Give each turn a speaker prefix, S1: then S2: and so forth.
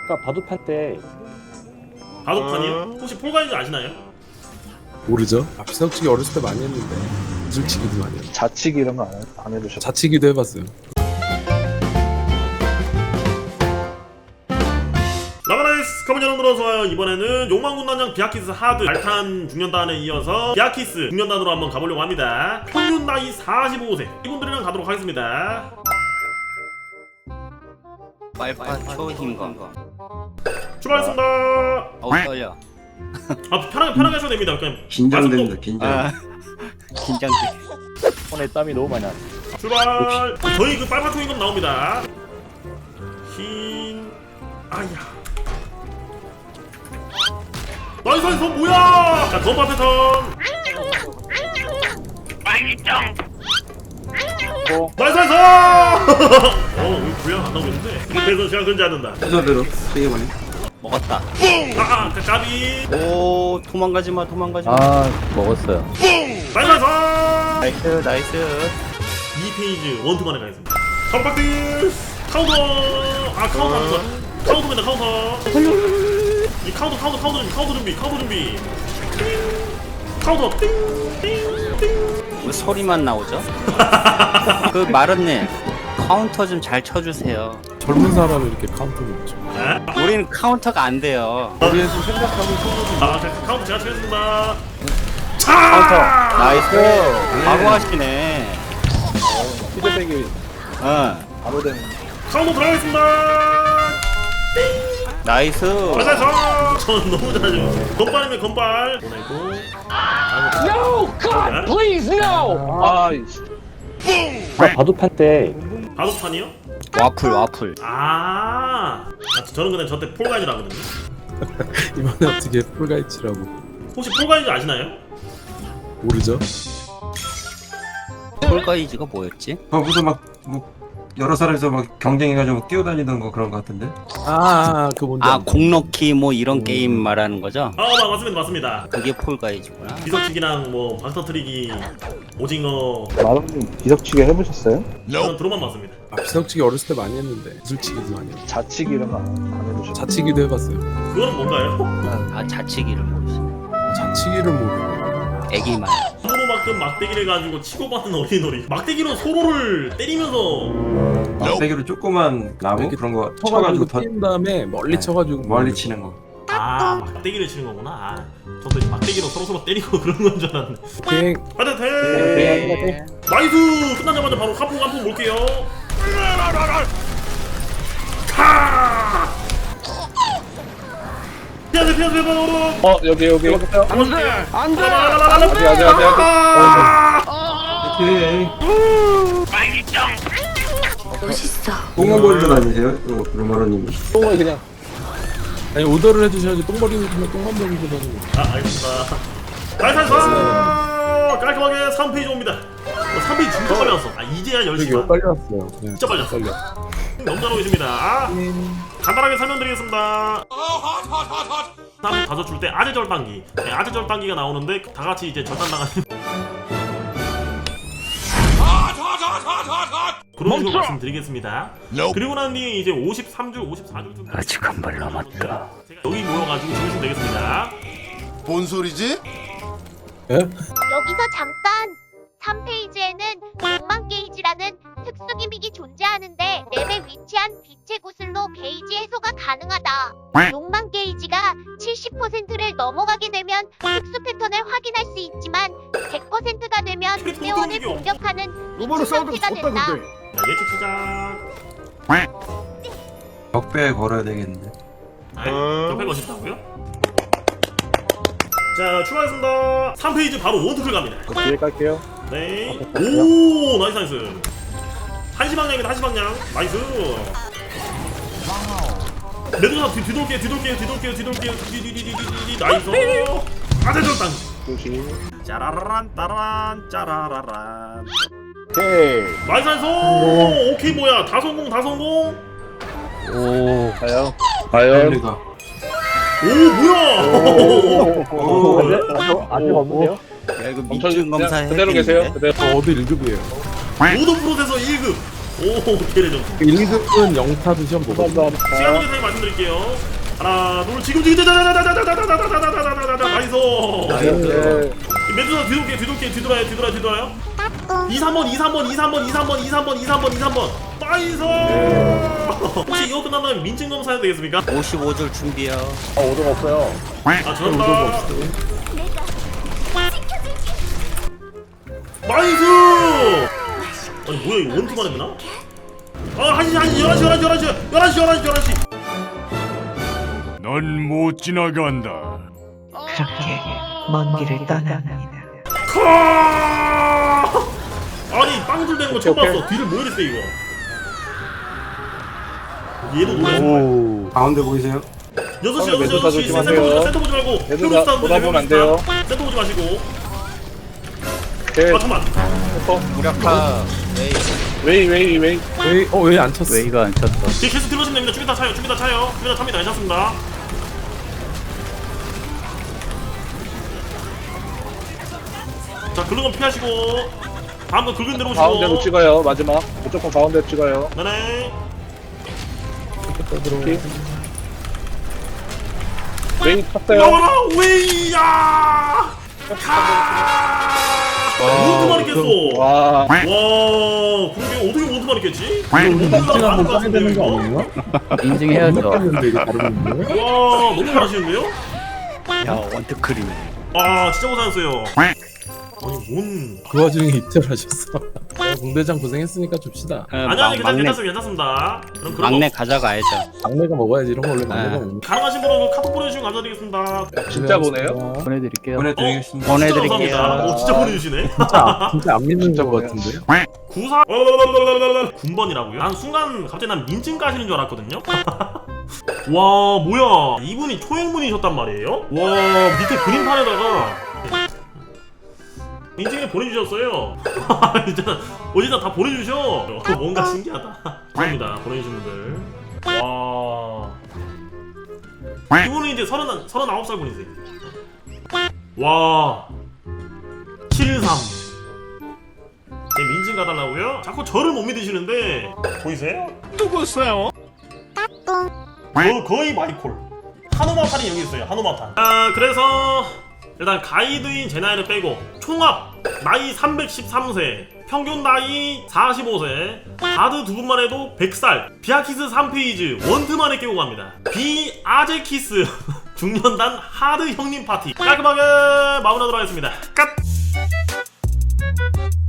S1: 아까 바둑판 때
S2: 바둑판이요? 혹시 폴가이즈 아시나요?
S3: 모르죠? 비석치기 어렸을 때 많이 했는데 기술치기도 많이 했고
S4: 자치기 이런 거 안 해보셨어요?
S3: 자치기도 해봤어요.
S2: 라바나이스 커먼 여러분 들어서와요. 이번에는 욕망군단장 비아키스 하드 알탄 중년단에 이어서 비아키스 중년단으로 한번 가보려고 합니다. 평균 나이 45세 이분들이랑 가도록 하겠습니다.
S5: 빨판 초힘건
S2: 출발했습니다.
S5: 떨려.
S2: 편하게 하셔도 됩니다. 그냥
S6: 긴장된다 긴장.
S5: 아 긴장돼.
S1: 손에 땀이 너무 많이 났어.
S2: 출발. 저희 그 빨판 초임금 나옵니다. 흰 아야 나이스 나이스 뭐야. 자 건파 패턴 나이스 나이스. 우리 분량 안 나오고 있는데 그래서 제가 그런지 않는다.
S6: 순서대로 세게 많이.
S5: 먹었다.
S2: 까비
S5: 오 도망가지마 도망가지마.
S1: 아 먹었어요.
S2: 나이스
S5: 나이스 나이스.
S2: 2페이지 원투만에 가겠습니다. 컴박스 카운터 카운터 안 좋아. 카운터입니다 카운터. 이 카운터 준비 카운터 띵띵띵.
S5: 왜 소리만 나오죠? 그 마른님 카운터 좀 잘 쳐주세요.
S3: 젊은 사람이 이렇게 카운터를 붙여.
S5: 우리는 카운터가 안 돼요.
S3: 머리에서 생각하고 손으로
S2: 카운터 제가 치겠습니다.
S5: 카운터 나이스. 바로 하시네.
S4: 피드백이 바로 되는.
S2: 카운터 들어가겠습니다.
S5: 나이스.
S2: 맞아서 전 너무 잘하죠. 건발이면 건발 보내고.
S1: No! God, please, no!
S4: 아,
S1: 아까 바둑판 때
S2: 바둑판이요?
S5: 와플.
S2: 저는 근데 저때 폴가이즈라거든요.
S3: 이번에 어떻게 풀가이치라고
S2: 혹시 폴가이즈 아시나요?
S3: 모르죠?
S5: 폴가이즈가 뭐였지?
S6: 무슨 뭐 여러 사람이서 막 경쟁해가지고 뛰어다니던 거 그런 거 같은데.
S3: 그 뭔지
S5: 아
S3: 안다.
S5: 공넣기 뭐 이런 게임 말하는 거죠?
S2: 맞습니다.
S5: 그게 폴가이즈구나.
S2: 비석치기랑 뭐 방터트리기, 오징어
S4: 마름님 비석치기 해보셨어요?
S2: 저는 드로만 맞습니다.
S3: 비석치기 어렸을 때 많이 했는데 기술치기도 많이 했고
S4: 자치기 이런 거 안 해보셨어요?
S3: 자치기도 해봤어요.
S2: 그거는 뭔가요?
S5: 아 자치기를 모르시네.
S3: 자치기를 모르고
S5: 애기만.
S2: 손으로 막든 막대기를 가지고 치고받는 어린놀이. 막대기로 서로를 때리면서
S6: 막대기로 조그만 나무
S3: 이렇게
S6: 그런 거
S3: 쳐가지고
S6: 쳐가지고
S3: 뛴 다음에 멀리
S6: 네.
S3: 쳐가지고
S6: 멀리 치는 거.
S2: 막대기를 치는 거구나. 저도 이제 막대기로 서로 때리고 그런 건 줄 알았는데.
S3: 비행
S2: 파이팅! 나이스! 끝나자마자 바로 한풍 볼게요. 카! 피하세요.
S4: 여기.
S2: 안돼!
S6: 오케이.
S7: 멋있어.
S6: 똥만 다니세요, 로마로님이?
S4: 똥을 그냥.
S3: 아니 오더를 해주셔야지 똥머리 해주면 똥만 버리고 다니는 거.
S2: 알겠습니다. 나이스! 깔끔하게 3페이지 옵니다. 3페이지 진짜 빨리 왔어. 이제야
S3: 되게
S2: 10시간.
S3: 빨리 왔어요. 네,
S2: 진짜 빨리 왔어. 너무 잘 오십니다. 간단하게 설명드리겠습니다. 다음 가서 줄 때 아재 절단기. 아재 절단기가 나오는데 다 같이 이제 절단 당하는 그런 식으로 말씀드리겠습니다. 그리고 난 뒤에 이제 53줄, 54줄
S5: 아직 한 발 남았다.
S2: 여기 모여가지고 주무시면 되겠습니다.
S8: 뭔 소리지?
S3: 예?
S7: 여기서 잠깐! 3페이지에는 욕망 게이지라는 특수 기믹이 존재하는데 맵에 위치한 빛의 구슬로 게이지 해소가 가능하다. 욕망 게이지가 70%를 넘어가게 되면 특수 패턴을 확인할 수 있지만 100%가 되면 회원을 공격하는 미친 상태가 된다.
S2: 자, 예측 시작.
S6: 벽배에 걸어야 되겠는데.
S2: 옆에 거신다고요? 자, 출발했습니다. 3페이지 바로 원투클 갑니다.
S4: 뒤에 깔게요.
S2: 네. 오, 나이스. 한시 방향입니다. 한시 방향. 나이스. 매도사 뒤돌게요. 뒤. 나이스. 아재 절단.
S4: 조심.
S2: 짜라란 따란 짜라라란.
S4: 오케이.
S2: 나이스. 오케이 뭐야? 다 성공.
S5: 오
S4: 과연.
S6: 리가.
S2: 오, 뭐야?
S1: 아직 없는데요?
S5: 야 이거 민증 검사
S4: 그대로 계세요.
S5: 해야겠는데?
S4: 그대로.
S3: 어디 1급이에요?
S2: 모든 프로세서 1급. 오 개레 점수.
S3: 1, 2등은 영타도 시험 보고.
S2: 시간 관계상 말씀드릴게요. 하나 둘 지금 나이스. 메두사 뒤돌아요. 2, 3번 나이스. 혹시 이거 끝나면 민증 검사해도 되겠습니까?
S5: 55줄 준비요.
S1: 오등 없어요.
S2: 아 죄송합니다. 나이스. 아니 뭐야 이거 원투만 했나? 아 11시
S9: 넌 못 지나간다.
S10: 그렇게 먼 길을 떠납니다.
S2: 카! 아니 빵줄 되는 거 처음 봤어. 뒤를 뭐 이랬어 이거. 얘도 노래.
S6: 가운데 보이세요?
S2: 6시 센터 보지 말고
S4: 매도사 보다보면 안 돼요.
S2: 센터 보지 마시고.
S4: 오케이.
S2: 아 잠깐만.
S5: 무력화
S4: 웨이.
S3: 왜 안 쳤어?
S5: 웨이가 안 쳤다.
S2: 뒤에 계속 들어오시면 됩니다. 준비 다 차요. 준비 다 탑니다. 괜찮습니다. 자 긁은 건 피하시고 다음 거 긁은 대로 오시고.
S4: 가운데로 찍어요. 마지막 무조건 가운데 찍어요.
S2: 네네.
S4: 오케이. 웨이 탔어요.
S2: 나와라 웨이야. 몬트만 있겠어.
S4: 와.
S2: 와 그러게 어떻게 몬트만 있겠지?
S3: 인증 한번 따야 되는 거 아니에요?
S5: 인증해야죠.
S3: 했는데 이게 다른 건데?
S2: 와 너무 잘하시는데요?
S5: 야 원투크림.
S2: 아 진짜 고생하셨어요. 아니 뭔
S3: 그 와중에 입절하셨어. 공대장 고생했으니까 줍시다.
S2: 아니 괜찮습니다. 그럼 그런
S5: 막내
S2: 거
S5: 가져가야죠.
S3: 막내가 먹어야지. 이런 거 원래 막내가 먹는
S2: 가능하신 분은 카톡 보내주시면 감사드리겠습니다.
S4: 진짜 보내요?
S5: 보내드릴게요.
S6: 보내드리겠습니다.
S5: 보내드릴게요.
S2: 감사합니다. 진짜 보내주시네.
S3: 진짜 안 믿는 거 같은데요?
S2: 94 군번이라고요? 난 순간 갑자기 난 민증 까시는 줄 알았거든요. 와 뭐야 이분이 초행분이셨단 말이에요? 와 밑에 그림판에다가 민증을 보내주셨어요. 어디다 다 보내주셔. 뭔가 신기하다. 감사합니다 보내주신 분들. 와 이분은 이제 39살 분이세요. 와 73. 제 민증 가달라고요? 자꾸 저를 못 믿으시는데 보이세요?
S9: 누구세요?
S2: 거의 마이콜. 한우마판이 여기 있어요. 한우마판. 아 그래서 일단 가이드인 제 나이를 빼고 총합 나이 313세, 평균 나이 45세, 바드 두 분만 해도 100살, 비아키스 3페이지 원트만에 깨고 갑니다. 비아제키스 중년단 하드 형님 파티 깔끔하게 마무리하도록 하겠습니다. 끝!